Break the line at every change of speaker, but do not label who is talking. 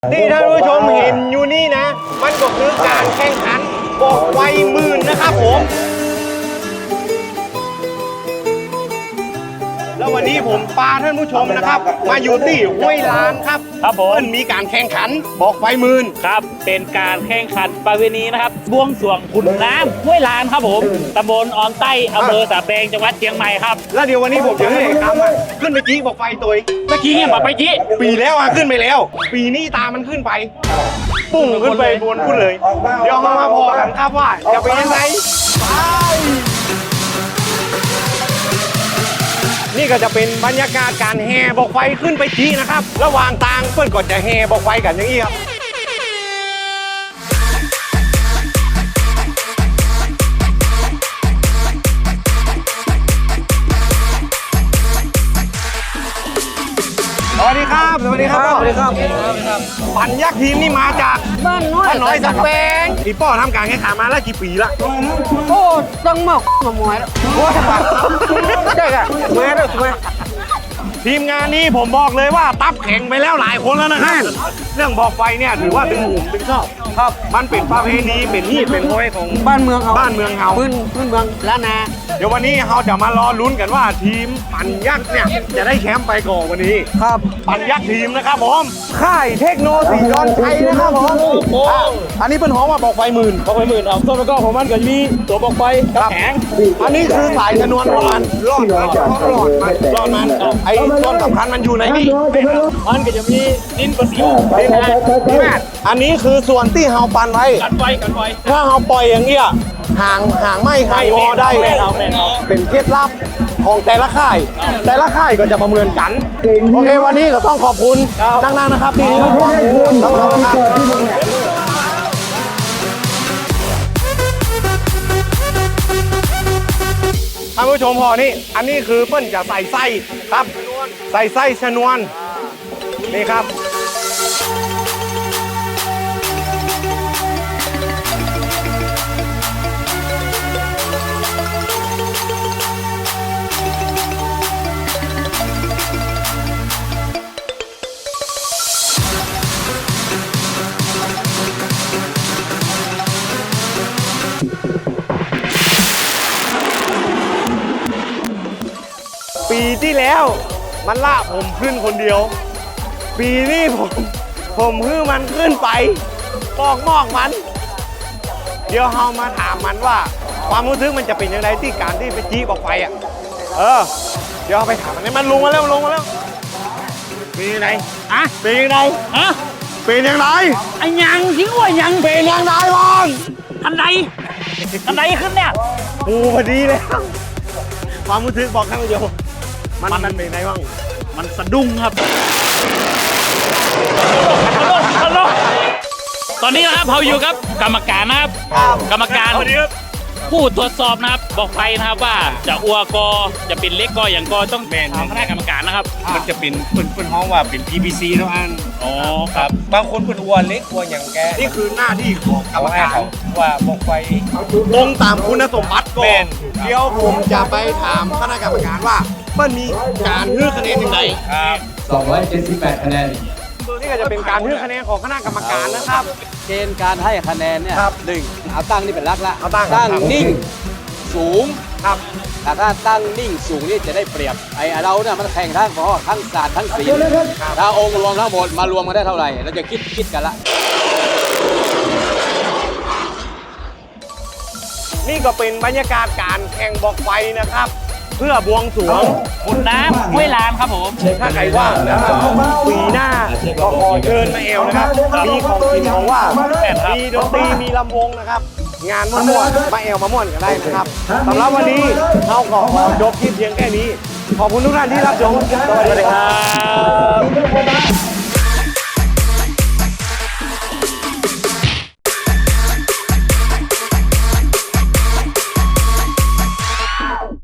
ที่ท่านผู้ชมเห็นอยู่นี่นะมันก็คือการแข่งขันบอกไวหมื่นนะครับผมแล้ววันนี้ผมพาท่านผู้ชมนะครับมาอยู่ที่ห้วยลานครับผมมีการแข่งขันบอกไวหมื่น
ครับเป็นการแข่งขันประเพณีนะครับบวงสรวงขุนน้ำห้วยลานครับผมตำบลออนใต้อำเภอสาแปงจังหวัดเชียงใหม่ครับ
แล้วเดี๋ยววันนี้ผมจะให้คำขึ้นไปจี้บอกไฟตัว
เมื่อกี้เนี่ยบอกไปจี้
ปีแล้วขึ้นไปแล้วปีนี้ตามันขึ้นไปปุ้งขึ้นไปบนพูดเลยเดี๋ยวมาพอกันครับว่าจะเป็นยังไงนี่ก็จะเป็นบรรยากาศการแห่บอกไฟขึ้นไปจี้นะครับระหว่างทางเพื่อนก็จะแห่บอกไฟกันอย่างนี้ครับสวัสดีครับสวัสดีครับสวัสดีครับปั่นยักษ์ทีมนี่มาจาก
บ้านน้อย
สักแปงพี่ป้อทำการแข่งขันมาแล้วกี่ปีละ
โอ้ต้องมาหมวยแล้วโอ้ใช่ค่ะหมวยแล้วหมวย
ทีมงานนี้ผมบอกเลยว่าตับแข่งไปแล้วหลายคนแล้วนะครับเรื่องบอกไฟเนี่ยถือว่าถึงหูถึงชอบครับมันเป็นประเพณีเป็นฮีตเป็นโอยของ
บ้านเมืองเฮา
พื้น
เมืองล้านนา
เดี๋ยววันนี้เราจะมารอลุ้นกันว่าทีมปั่นยักษ์เนี่ยจะได้แชมป์ไปก่อนวันนี้
ครับ
ปั่นยักษ์ทีมนะครับผมค่ายเทคโนสีดอนชัยนะครับผมอันนี้เป็นห้องว่าบอกไฟหมื่น
บอกไปหมื่นเอาต้นแล้วก็ของมันก็มีตัวบอกไฟกับแข็ง
อันนี้คือสายชนวนของมันรอดมันไอ้ต้นสำคัญมันอยู่ในนี่
มันก็จะมีดินประสิว
อันนี้คือส่วนที่เฮาปั่นไว้
กันไฟ
ถ้าเฮาปล่อยอย่างเงี้ยห่างไม่ห่างงอได้เป็นเคล็ดลับของแต่ละค่ายก็จะประเมินกันโอเควันนี้ก็ต้องขอบคุณนั่งๆนะครับที่ต้องขอบคุณครับท่านผู้ชมพอนี่อันนี้คือเปิ้ลจะใส่ไส้ครับใส่ไส้ชนวนนี่ครับปีที่แล้วมันล่าผมขึ้นคนเดียวปีนี้ผมฮื้อมันขึ้นไปปอกมอกมันเดี๋ยวเฮามาถามมันว่าความรู้สึกมันจะเป็นยังไงที่การที่ไปจี้บอกไฟเดี๋ยวไปถามมันลงมาแล้วเป็นยังไงเป็นยังไงเป็นยังไง
ไอ้ยังทิ้งว่ายัง
เป็นยังไงบ้าง
อันใดขึ้นเนี่ย
พอดีเลยความรู้สึกบอกข้างเดียวมันเป็นไงบ้าง
มันสะดุ้งครับตอนนี้นะครับเราอยู่กับกรรมการนะครับกรรมการผู้ตรวจสอบนะครับบอกไฟนะครับว่าจะอัวกอจะเป็นเล็กกออย่างกอต้องแบ่งทางคณะกรรมการนะครับ
มันจะเป็นเพื่อนห้องว่าเป็น PVC ทุกอัน
ครับ
บางคนเพื่อนอัวเล็กอัวอย่างแก
นี่คือหน้าที่ของกรรมการ
ว่าบอกไฟ
ตรงตามคุณสมบัติก่อนเดี๋ยวผมจะไปถามคณะกรรมการว่ามันมีการฮื้อคะแนนยังไง
ครับ278 คะแนน
นี่ก็จะเป็นการฮื้อคะแนนของคณะกรรมการนะครับ
เกณฑ์การให้คะแนนเนี่ย1เอาตั้งนี่เป็นหลักละ
ตั้ง
นิ่งสูง
ครับ
แต่ถ้าตั้งนิ่งสูงนี่จะได้เปรียบไอ้เราเนี่ยมันแข่งทั้งศาสตร์ทั้งศิลป์ถ้าองค์รวมทั้งหมดมารวมกันได้เท่าไหร่เราจะคิดกันละ
นี่ก็เป็นบรรยากาศการแข่งบอกไฟนะครับเพื่อบวงสรวง
ขุนน้ำห้วยลานครับผม
ถ้าใครว่างนะครับปีหน้าก็ขอเชิญมาเอวนะครับมีของกินของว่ามีดนตรีมีลำวงนะครับงานม่วนมาเอวมาม่วนกันได้นะครับสำหรับวันนี้เราขอจบคลิปเพียงแค่นี้ขอบคุณทุกท่านที่รับชมสวัสดีครับ